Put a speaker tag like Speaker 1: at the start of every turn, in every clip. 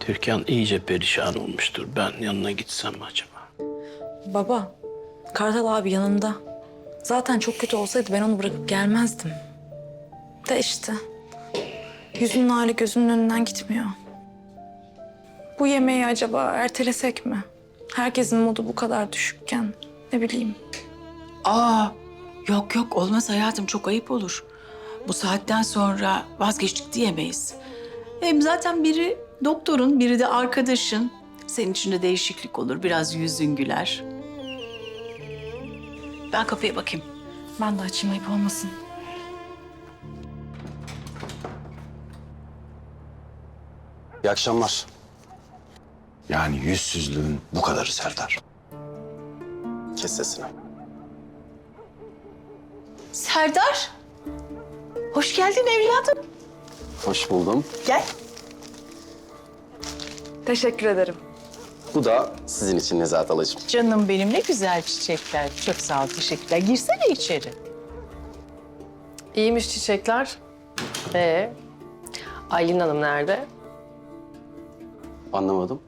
Speaker 1: Türkan iyice perişan olmuştur. Ben yanına gitsem mi acaba?
Speaker 2: Baba, Kartal abi yanında. Zaten çok kötü olsaydı ben onu bırakıp gelmezdim. De işte. Yüzünün hali gözünün önünden gitmiyor. Bu yemeği acaba ertelesek mi? Herkesin modu bu kadar düşükken. Ne bileyim.
Speaker 3: Yok yok olmaz hayatım, çok ayıp olur. Bu saatten sonra vazgeçtik diyemeyiz. Hem zaten biri doktorun, biri de arkadaşın. Senin için de değişiklik olur, biraz yüzün güler. Ben kapıya bakayım.
Speaker 2: Ben de açayım, ayıp olmasın.
Speaker 4: İyi akşamlar. Yani yüzsüzlüğün bu kadarı Serdar. Kes sesini.
Speaker 3: Serdar, hoş geldin evladım.
Speaker 4: Hoş buldum.
Speaker 3: Gel.
Speaker 2: Teşekkür ederim.
Speaker 4: Bu da sizin için Nezahat Alacığım.
Speaker 3: Canım benim, ne güzel çiçekler. Çok sağ ol, teşekkürler. Girsene içeri.
Speaker 5: İyiymiş çiçekler. Aylin Hanım nerede?
Speaker 4: Anlamadım.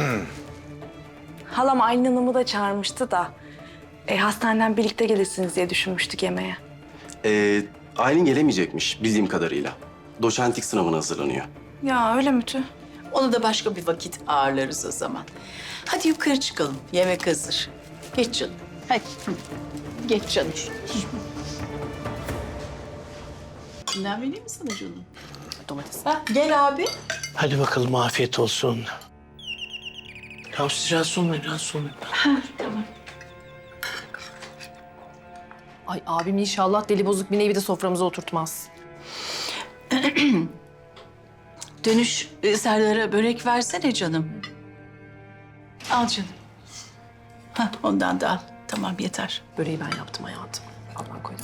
Speaker 2: Halam Aylin Hanım'ı da çağırmıştı da... hastaneden birlikte gelirsiniz diye düşünmüştük yemeğe.
Speaker 4: Aylin gelemeyecekmiş bildiğim kadarıyla. Doçentlik sınavına hazırlanıyor.
Speaker 2: Ya öyle mi Tüh?
Speaker 3: Onu da başka bir vakit ağırlarız o zaman. Hadi yukarı çıkalım, yemek hazır. Geç canım, hadi. Geç canım. Bundan vereyim mi sana canım?
Speaker 5: Domates.
Speaker 3: Ha, gel abi.
Speaker 1: Hadi bakalım afiyet olsun. Ya siz rahatsız olmayın, rahatsız olmayın.
Speaker 5: Ay abim inşallah deli bozuk bir nevi de soframıza oturtmaz.
Speaker 3: Dönüş Serdar'a börek versene canım. Al canım. Ha, ondan da al. Tamam, yeter.
Speaker 5: Böreği ben yaptım hayatım. Ablam koydu.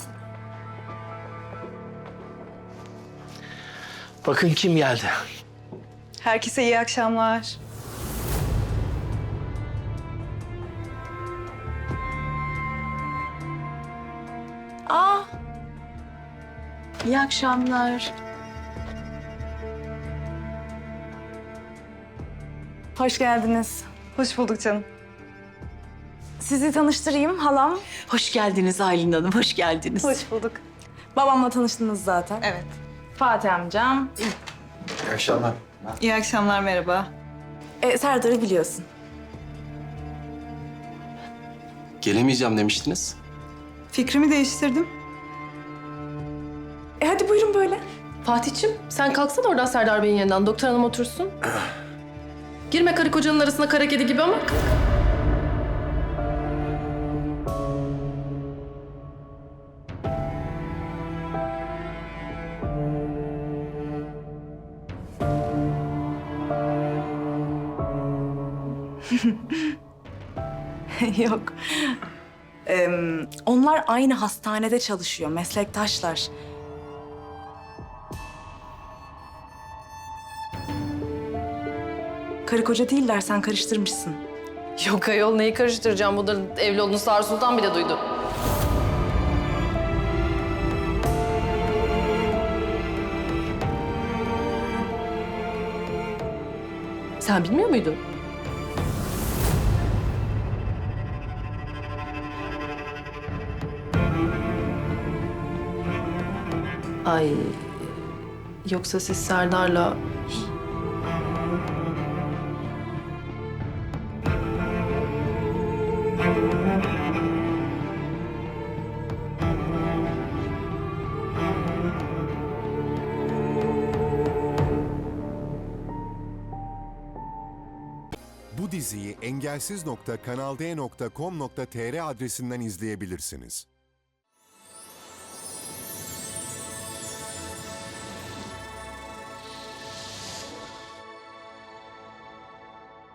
Speaker 1: Bakın kim geldi.
Speaker 2: Herkese iyi akşamlar.
Speaker 3: İyi akşamlar.
Speaker 2: Hoş geldiniz.
Speaker 6: Hoş bulduk canım.
Speaker 2: Sizi tanıştırayım, halam.
Speaker 3: Hoş geldiniz Aylin Hanım, hoş geldiniz.
Speaker 6: Hoş bulduk.
Speaker 2: Babamla tanıştınız zaten.
Speaker 6: Evet.
Speaker 2: Fatih amcam.
Speaker 4: İyi akşamlar.
Speaker 6: İyi akşamlar, merhaba.
Speaker 2: Serdar'ı biliyorsun.
Speaker 4: Gelemeyeceğim demiştiniz.
Speaker 6: Fikrimi değiştirdim.
Speaker 2: Hadi buyurun böyle.
Speaker 5: Fatih'ciğim sen kalksana oradan Serdar Bey'in yanından. Doktor hanım otursun. Girme karı kocanın arasına kara kedi gibi ama.
Speaker 2: Yok. Onlar aynı hastanede çalışıyor, meslektaşlar. Karı koca değiller, sen karıştırmışsın.
Speaker 5: Yok ayol neyi karıştıracağım? Bunların evli olduğunu Sağır Sultan bile duydu. Sen bilmiyor muydun? Ay, yoksa siz Serdar'la...
Speaker 7: Bu diziyi engelsiz.kanalde.com.tr adresinden izleyebilirsiniz.